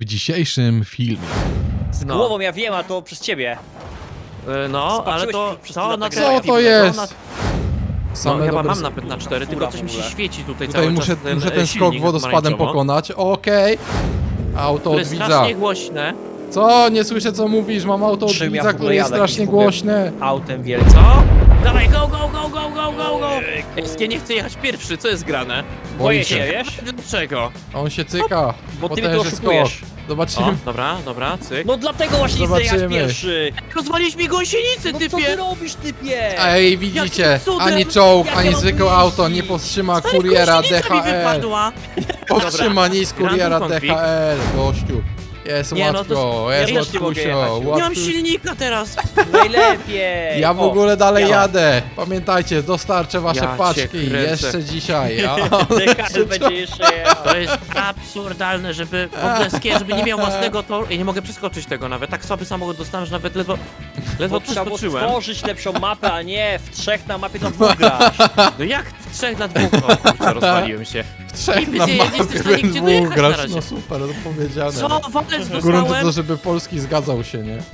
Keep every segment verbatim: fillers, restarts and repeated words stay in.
w dzisiejszym filmie. Z No. głową ja wiem, a to przez ciebie. E, No, ale Spatrzyłeś to, mi przez to chwilę na tak Co jak to ja jest? No, Same chyba dobre mam s- napęd na cztery, tylko coś mi się w ogóle. świeci tutaj, Tutaj cały muszę czas ten, muszę e, ten skok silnik wodospadem pomarańczowo, pokonać. Okej. Auto który od jest widza. strasznie głośne. Co? Nie słyszę co mówisz. Mam auto od Czym ja widza, w ogóle które jest jadę? strasznie Jakiś w ogóle- głośne. Autem wielkim. Co? Dawaj, go, go, go, go, go, go, go! Ej, nie chcę jechać pierwszy, co jest grane? Boję się, wiesz? Dlaczego? On się cyka. Bo ty mnie tu Potężny skok. oszukujesz. Zobaczymy. O, dobra, dobra, cyk. No dlatego właśnie nie chcę jechać Zobaczymy. pierwszy. Rozwaliłeś mi gąsienicę, No co ty typie! robisz, typie? Ej, widzicie, Jakim cudem? ani czołg, Jak ani ja mam zwykłe tu auto nie jeździć? powstrzyma Stary, kuriera gąsienica mi D H L. wypadła. Powstrzyma nic Dobra, kuriera random D config. H L, gościu. Jest Nie, no łatwo, to- ja jest też nie mogę jechać. łatwusio, już. Nie mam łatwo. silnika teraz. Najlepiej. Ja w O, ogóle dalej ja mam. jadę. Pamiętajcie, dostarczę wasze Ja cię paczki kręcę. jeszcze dzisiaj. Ja. D H L będzie jeszcze jechał. To jest absurdalne, żeby w ogóle skier, żeby nie miał własnego toru. Ja nie mogę przeskoczyć tego nawet. Tak słaby samochód dostałem, że nawet ledwo, ledwo Bo trzeba było przeskoczyłem. stworzyć lepszą mapę, a nie w trzech na mapie to dwóch grasz. No jak w trzech na dwóch? O kurczę, rozwaliłem się. W trzech Nie na jesteś mapie w stanie we gdzie dwóch dojechać na grasz. razie. No super, to powiedziane. Co? Walec Grunt to, dostałem? żeby Polski zgadzał się, nie?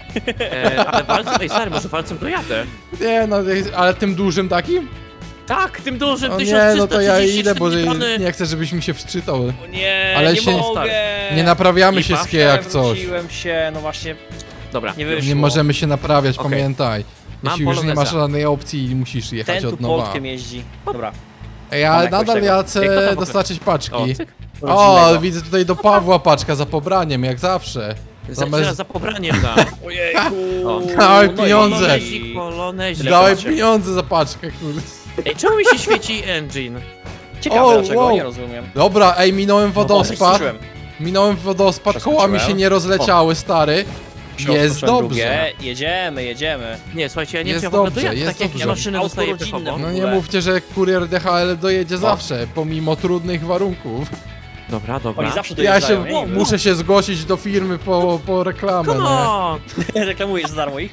E, ale walcem, ej stary, może walcem dojadę. Nie, no, ale tym dużym takim? Tak, tym dużym, No nie, tysiąc trzysta no to ja trzydzieści idę, bo cztery tony. nie chcę, żebyś mi się wczytał. O nie, Ale nie się- mogę. Nie naprawiamy się Lipa. skie jak coś. Przewróciłem się, no właśnie, Dobra, nie wyszło. Nie możemy się naprawiać, Okej. pamiętaj. Mam Jeśli już nie masz poloneza. żadnej opcji i musisz jechać Ten tu od nowa. Poltkiem jeździ. Dobra. Ej, Mam ale jakoś nadal tego. ja Ej, kto chcę tam dostarczyć o, paczki. cyk. O, Rodzinnego. widzę tutaj do Pawła paczka za pobraniem, jak zawsze. Za, Zamiast- za, za pobraniem dam. Ojejku. O. Dawaj No i- pieniądze. Polonezik, polonezik. Dałem Zobaczcie. pieniądze za paczkę, kurde. Ej, czemu mi się świeci engine? Ciekawe O, dlaczego, wow. nie rozumiem. Dobra, ej, minąłem wodospad. Przeskoczyłem. Minąłem wodospad, Przeskoczyłem. koła mi się nie rozleciały, stary. Jest Przeskoczyłem dobrze. drugie. Jedziemy, jedziemy. Nie, słuchajcie, ja nie Jest wiem, czy ja w ogóle dobrze, dojadę, jest tak jak dobrze. ja maszyny Auto dostaję rodzinne. pechowo. No w nie ogóle. mówcie, że kurier D H L dojedzie zawsze, pomimo trudnych warunków. Dobra, dobra. Oni zawsze Ja dojeżdżają, się ja nie wiem. muszę się zgłosić do firmy po, po reklamę, Come nie? on! Reklamujesz za darmo ich?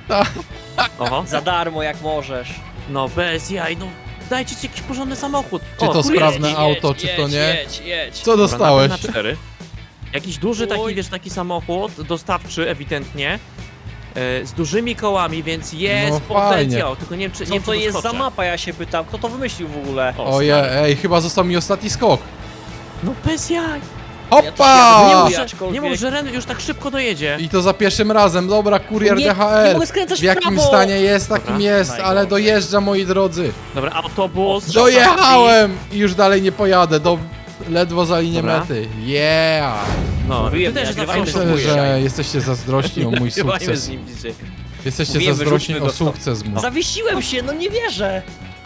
Oho, Za darmo jak możesz. no bez jaj, no dajcie ci jakiś porządny samochód. Czy to kurier- sprawne Jedź, auto, jedź, czy to jedź, nie? Jedź, jedź. Co Dobra, dostałeś? napęd na cztery. Jakiś duży taki, Oj. wiesz, taki samochód, dostawczy ewidentnie, e, z dużymi kołami, więc jest No potencjał, tylko nie wiem, czy, nie Co wiem, to czy jest za doskoczę. mapa, ja się pytam. Kto to wymyślił w ogóle? O, Ojej, stary. ej, chyba został mi ostatni skok. No bez jaj! Ja Nie też Hoppa! jadę, mów, że, aczkolwiek- nie mów, że Ren już tak szybko dojedzie. I to za pierwszym razem, dobra, kurier Nie- D H nie L. mogę skręcać W w jakim prawo. stanie jest, takim Dobra. jest, ale Najgorzej. dojeżdża, moi drodzy. Dobra, autobus. Dojechałem! I już dalej nie pojadę, do... ledwo za linię Dobra. mety. Yeah! No, Mówiłem, ty też nie, zawsze nagrywajmy Myślę, Próbuję. że jesteście zazdrośni o mój Nagrywajmy sukces. z nim dzisiaj. Jesteście Mówiłem, zazdrośni wyrzućmy o go stąd. sukces mój. Zawiesiłem się, no nie wierzę.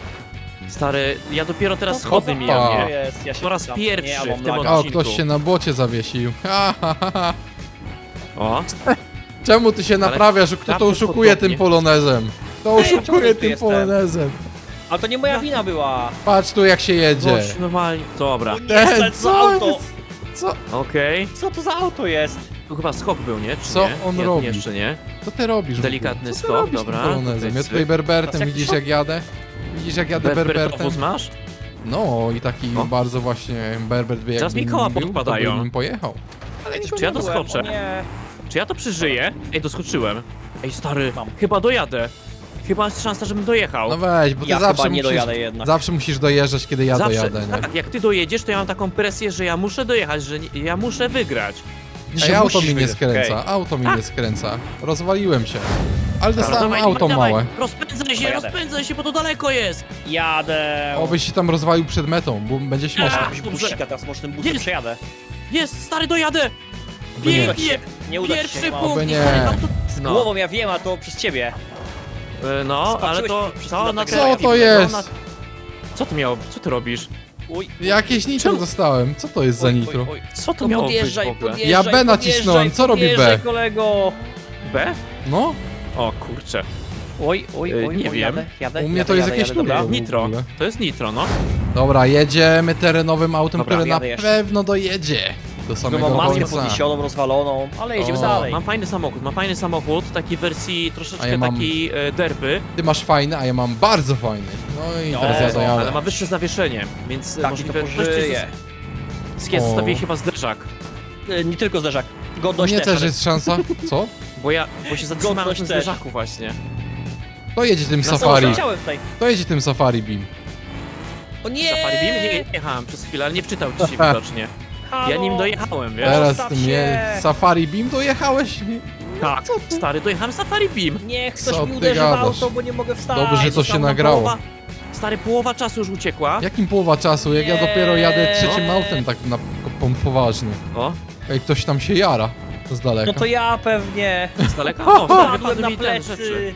Stary, ja dopiero teraz No, schody hopa. mijam, To nie? jest, ja się Po raz pytam. pierwszy Nie, ja mam w tym laga. O, odcinku. ktoś się na błocie zawiesił. Ha, ha, ha, ha. O, Czemu ty się naprawiasz? Kto to Prawda oszukuje podobnie. tym polonezem? Kto Ej, czemu oszukuje tu tym jestem? polonezem? Ale to nie moja wina była. Patrz tu jak się jedzie. gość normalnie. Dobra, O nie, Ten, co za co auto? jest? Co? okej. Co to za auto jest? Tu chyba skok był, nie? Czy Co nie? on nie, robi? Jeszcze nie. Co ty robisz? w ogóle? Delikatny Co ty skok, robisz dobra. tym polonezem? Ja Tutaj tutaj berbertem, Teraz jak widzisz to? jak jadę? Widzisz jak jadę berbertem? Berbertowóz masz? No i taki O. bardzo właśnie berbert by Zaraz jakby mi koła był, podpadają. to bym nim pojechał. Ale Czy nikogo ja nie byłem, doskoczę? o Nie. Czy ja to przeżyję? Ej, doskoczyłem. Ej, stary, Mam. chyba dojadę. Chyba jest szansa, żebym dojechał. No weź, bo ty Ja zawsze chyba nie musisz, dojadę jednak. zawsze musisz dojeżdżać, kiedy ja Zawsze, dojadę, nie? tak, jak ty dojedziesz, to ja mam taką presję, że ja muszę dojechać, że nie, ja muszę wygrać. Ej, Że auto musisz mi nie wygrać, skręca, okej. auto mi Tak. nie skręca. Rozwaliłem się. Ale Dobra, dostałem dawaj, auto dawaj, małe. Rozpędzaj się, Dobra, jadę. rozpędzaj się, bo to daleko jest. Jadę. Obyś się tam rozwalił przed metą, bo będzie śmieszne. A, Jakiegoś dobrze. busika, teraz może tym busem Jest. przejadę. Jest, stary, dojadę. Oby nie. Pięknie. Nie uda ci się, Pierwszy nie ma. punkt. Oby i nie. stary, auto... Z No, głową ja wiem, a to przez ciebie. e, no ale Spatrzyłeś to... przez to chwilę na tak Co jak to ja jest? na- Co to miało? Co ty robisz? Uj. Jakieś nitro Czemu? dostałem. Co to jest za Oj, nitro? oj, oj. Co to No miało być w podjeżdżaj, ogóle? podjeżdżaj, Ja B nacisnąłem, podjeżdżaj, co robi B? podjeżdżaj, kolego. B? No, O kurczę. Oj, oj, E, oj, nie oj, wiem. jadę, jadę, u mnie jadę, to jest jadę, jakieś jadę, dobra. turbo. w Nitro. ogóle. To jest nitro, no. Dobra, jedziemy terenowym autem, Dobra, które na jadę jeszcze. pewno dojedzie do No samego mam maskę końca. podniesioną, rozwaloną, ale jedziemy O, dalej. Mam fajny samochód, mam fajny samochód, taki wersji troszeczkę A ja mam- taki e, derby, Ty masz fajny, a ja mam bardzo fajny. No i No, teraz ja no, dojadę. ale ma wyższe zawieszenie, więc e, Tak, i to możliwe... pożyje. Skies O. zostawiłeś chyba zderzak. E, Nie tylko zderzak. Godność Nie też. też ale- jest szansa. Co? Bo ja, bo się zatrzymałem na Godność tym też. zderzaku właśnie. To jedzie tym Na O, safari. leciałem tutaj. To jedzie tym safari beam. O nie! Safari Beam? Nie, jechałem przez chwilę, ale nie wczytał ci się widocznie. Halo! Ja nim dojechałem, wiesz? Teraz Zostaw tym się. je... safari beam dojechałeś? Tak, stary, dojechałem Safari Beam. Niech Co ktoś mi ty uderzy w gadasz? auto, bo nie mogę wstać. Dobrze, że to się Została nagrało. Połowa, stary, połowa czasu już uciekła. Jakim połowa czasu? Jak ja Nie. dopiero jadę trzecim autem tak na po- poważnie. O, Ej, ktoś tam się jara. Z daleka. No to ja pewnie. z daleka. O, stary, Padłem wypadły na mi te rzeczy. plecy.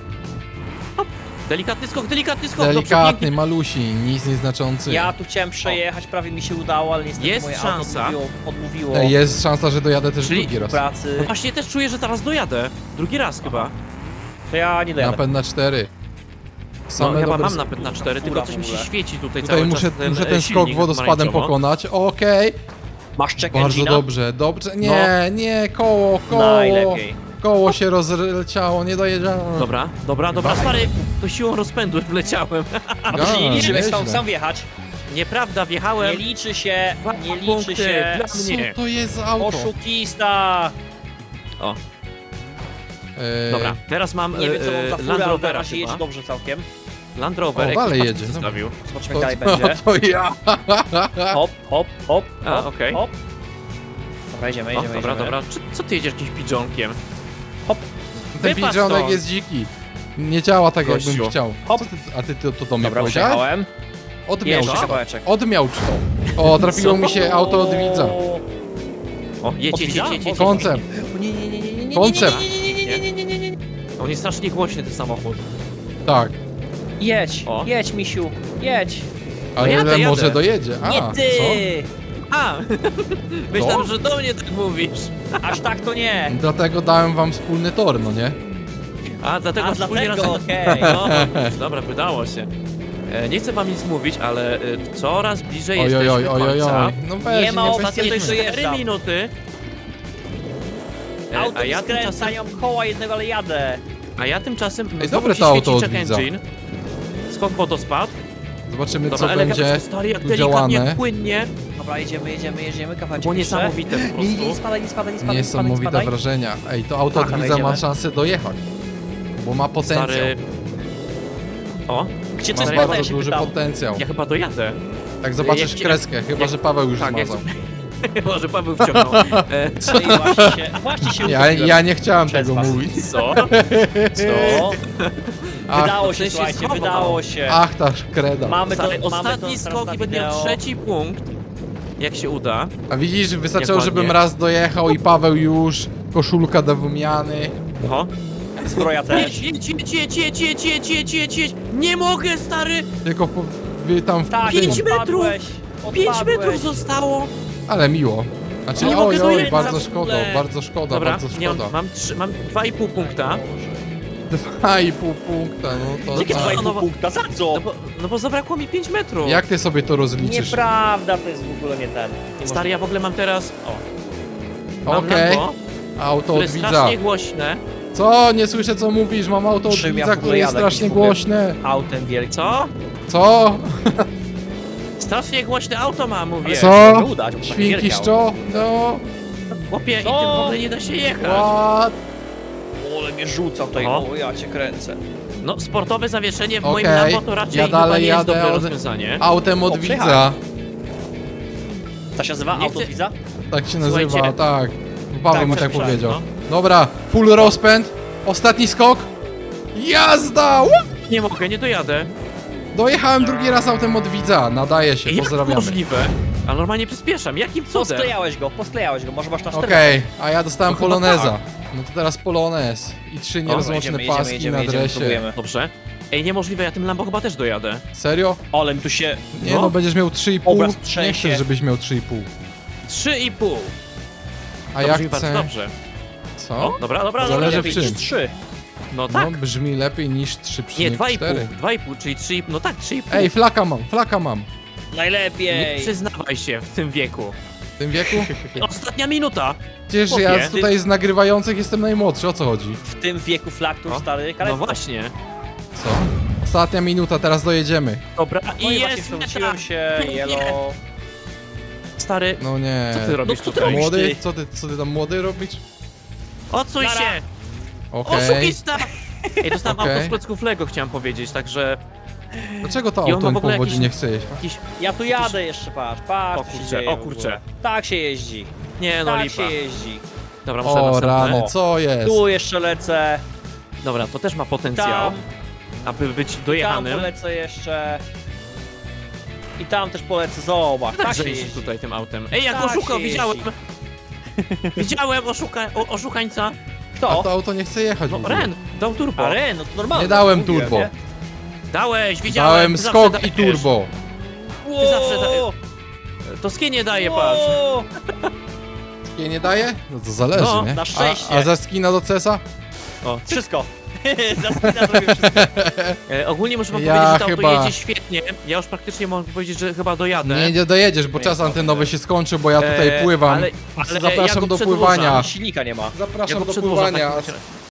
Delikatny skok, delikatny skok, dobrze, Delikatny, pięknie. malusi, nic nieznaczący. Ja tu chciałem przejechać, prawie mi się udało, ale niestety Jest moje szansa. auto odmówiło, odmówiło Ej, jest szansa, że dojadę też Czyli drugi raz. pracy. No właśnie też czuję, że zaraz dojadę. Drugi raz chyba. To ja nie dojadę. Napęd na cztery. No Same chyba dobre mam s- napęd na cztery, fura tylko coś w mi się ogóle. świeci tutaj, Tutaj cały muszę, czas ten, muszę e, ten skok silnik wodospadem pomarańczowo. pokonać. Okej. Masz check Bardzo engine'a? dobrze, dobrze. Nie, nie, koło, koło. Najlepiej. Koło się rozleciało, nie dojeżdżałem. Dobra, dobra, dobra, stary, to siłą rozpędu wleciałem. A to się nie liczy, nieźle. jak sam, sam wjechać. Nieprawda, Nie wjechałem. liczy się, Dwa nie liczy punkty się. dla Co mnie. to jest za auto? Oszukista. O, Eee, dobra, teraz mam Nie wiem co mam za e, furę, Land ale na Rovera razie jedzie chyba. dobrze całkiem. Land Rover, O, jak dalej patrz, jedzie, zostawił. Zobaczymy To, jak to, dalej będzie. to ja. Hop, hop, hop, A, hop, okej. hop. Dobra, jedziemy, O, jedziemy, dobra, jedziemy. dobra. Czy, co ty jedziesz jakimś pidżonkiem? Hop, Ten Wypadł pigeonek stąd. jest dziki. Nie działa tak, jakbym Gościu. chciał. Hop. Co ty, a ty to, to do mnie dobra, powiedziałeś? przejechałem. Odmiał Jeszcze to. kawałeczek. Odmiał to. O, trafiło Co? mi się auto od widza. O, jedź, Od jedź, widza? jedź, jedź, jedź. Koncept. O, Nie, nie, nie, nie, nie, nie, Koncept. nie, nie, nie, nie, nie, nie, nie, nie. On jest strasznie głośny, ten samochód. Tak. Jedź, O. jedź, misiu, jedź. Ale jadę, może jadę. dojedzie. A, Nie ty! A! Myślałem, że do mnie tak mówisz. Aż tak to nie. co? Dlatego dałem wam wspólny tor, no nie? A, dlatego A wspólnie dlatego, razem... okej. No, widzisz, dobra, wydało się. E, nie chcę wam nic mówić, ale e, coraz bliżej Oj, oj, jesteśmy oj, oj, oj, końca. oj. No weź, Nie ma nie opcji, bez to Ostatnie już kitu. dojeżdżam. cztery minuty. E, Auto a, mi ja skręca, tymczasem, nie mam koła jednego, ale jadę. a ja tymczasem... Ej, znowu dobre się to auto świeci od check widza. engine. Skok wodospad. Zobaczymy, Dobra, co elegancko, będzie stary, jak tu delikatnie, działane. jak płynnie. Dobra, jedziemy, jedziemy, jedziemy, kawałeczek Było jeszcze. niesamowite po Nie, nie, nie prostu. spadaj, nie spadaj, nie spadaj, nie spadaj, nie Niesamowite spadaj. wrażenia. Ej, to auto od Aha, widza ma wejdziemy. szansę dojechać. Bo ma potencjał. Stary... O, Gdzie to Ma Stary, spada, ja bardzo się duży pytam. potencjał. ja chyba dojadę. Jak zobaczysz jak- kreskę, chyba jak- że Paweł już Tak, jak... zmazał. Może Paweł wciągnął. E, No i właśnie się, właśnie się Ja, utopiłem. ja nie chciałem Przez tego was. mówić. co? Co? Ach, Wydało to się, się słuchajcie, schował. wydało się. ach ta kreda. Mamy to, Stary, mamy to ostatni teraz skok na i będę miał wideo. trzeci punkt. Jak się uda. A widzisz, wystarczyło, Jak żebym ładnie. raz dojechał i Paweł już, koszulka do wymiany. Oho. Zbroja też. Jedź, jedź, jedź, jedź, jedź, jedź, jedź, jedź, jedź. Nie mogę, stary! Tylko po, wy tam w Tak, tym. Pięć metrów. odpadłeś, Pięć odpadłeś. metrów zostało. Ale miło. Znaczy, Nie oj, mogę oj, dojechać bardzo w szkoda, ogóle. bardzo szkoda, Dobra, bardzo nie mam, szkoda. mam, trzy, mam dwa i pół punkta. Dwa i pół punkta, no to Jakie tak. dwa i pół No bo- punkta? Za co? No bo, no bo zabrakło mi pięć metrów. Jak ty sobie to rozliczysz? Nieprawda, to jest w ogóle nie ten. Nie Stary, ja w ogóle mam teraz... O, mam Okej, Lambo, auto które od jest widza. strasznie głośne. Co? Nie słyszę co mówisz, mam auto od Czym ja w widza, ogóle które jest jadę? strasznie Jakiś w ogóle- głośne. możesz. Autem wielkim. Co? Co? Strasznie głośne auto ma, mówię. Co? Mogę udać, bo tak Świnki wierciał. szczo? No, Chłopie, i Co? tym w ogóle nie da się jechać. what? O, ale mnie rzuca tutaj, Oho. o, ja cię kręcę. No, sportowe zawieszenie w moim Okej, Lambo to raczej ja chyba dalej nie jest jadę dobre od- rozwiązanie. Autem od O, widza. przejechałem. To się nazywa Nie auto chcę- widza? Tak się nazywa, Słuchajcie. tak. Paweł Tak, mi tak słyszałem, powiedział. no. Dobra, full rozpęd. Ostatni skok. Jazda! Łup! Nie mogę, nie dojadę. Dojechałem drugi raz autem od widza. Nadaje się, Jak to pozdrawiamy. możliwe? A normalnie przyspieszam, jakim cudem? Posklejałeś go, posklejałeś go, może masz na cztery. Okej, a ja dostałem No chyba poloneza. tak. No to teraz polonez. I trzy Dobra, nierozłączne jedziemy, jedziemy, paski jedziemy, na jedziemy, dresie. próbujemy. Dobrze. Ej, niemożliwe, ja tym Lambo chyba też dojadę. Serio? Ale mi tu się... Nie no, No. będziesz miał trzy i pół. Obraz Nie trzęsie. chcę, żebyś miał trzy i pół. Trzy i pół. A ja Dobrze mi bardzo chcę... dobrze. Co? O, dobra, dobra, Zależy dobra. w lepiej czym. niż trzy. No tak. No brzmi lepiej niż trzy Nie, przecinek dwa i pół. cztery. Dwa i pół, czyli trzy i pół. No tak, trzy i pół. Ej, flaka mam, flaka mam. Nie Najlepiej. przyznawaj się w tym wieku. W tym wieku? Ostatnia minuta. Przecież Chłopie, ja ty- tutaj z nagrywających jestem najmłodszy, o co chodzi? W tym wieku flaktur, O, stary, No kalectwo. właśnie. Co? Ostatnia minuta, teraz dojedziemy. Dobra, No i i właśnie jest meta. przewróciłem się, Nie. yellow. stary, No nie. co ty robisz co ty tutaj? robisz? Młody? ty? Co ty, co ty tam młody robisz? Odsuń Nara. się! Okej. Oszukista! Ej, dostałem Okej. auto z klocków Lego, chciałem powiedzieć, także Dlaczego to I on auto ma w mi ogóle powodzi jakiś- nie chce jeść? jakiś... Ja tu jadę jeszcze, patrz, patrz, O co się kurczę, dzieje o w ogóle. kurczę. Tak się jeździ, Nie no, tak lipa. się jeździ. Dobra, muszę O następne. rany, O. co jest? Tu jeszcze lecę, Dobra, to też ma potencjał, tam, aby być tam dojechanym. polecę jeszcze. I tam też polecę, zobacz, tak Tak, się że jeździ jeździ. tutaj tym autem. Ej, jak Tak oszukał, się widziałem! Widziałem oszuka... o, oszukańca. A Kto? to auto nie chce jechać w No, ogóle. Ren, dał turbo. A Ren, no to normalnie. Nie dałem mówiłem, turbo. nie? Dałeś, widziałem. Dałem ty zawsze skok i dajesz. turbo. Wow, zawsze da- To skinie daje, patrz. wow. Nie, nie daje? No to zależy, No, nie? na szczęście. A, a za skina do cesa? O. Wszystko. Za skina zrobię wszystko. E, ogólnie muszę wam Ja powiedzieć, że to chyba- auto jedzie świetnie. Ja już praktycznie mogę powiedzieć, że chyba dojadę. Nie, nie dojedziesz, bo Nie, czas dobrze. antenowy się skończy, bo ja tutaj E, pływam. Ale, ale Zapraszam ja go do przedłużam. pływania. Silnika nie ma. Ja Zapraszam go do przedłużam w pływania. takim razie.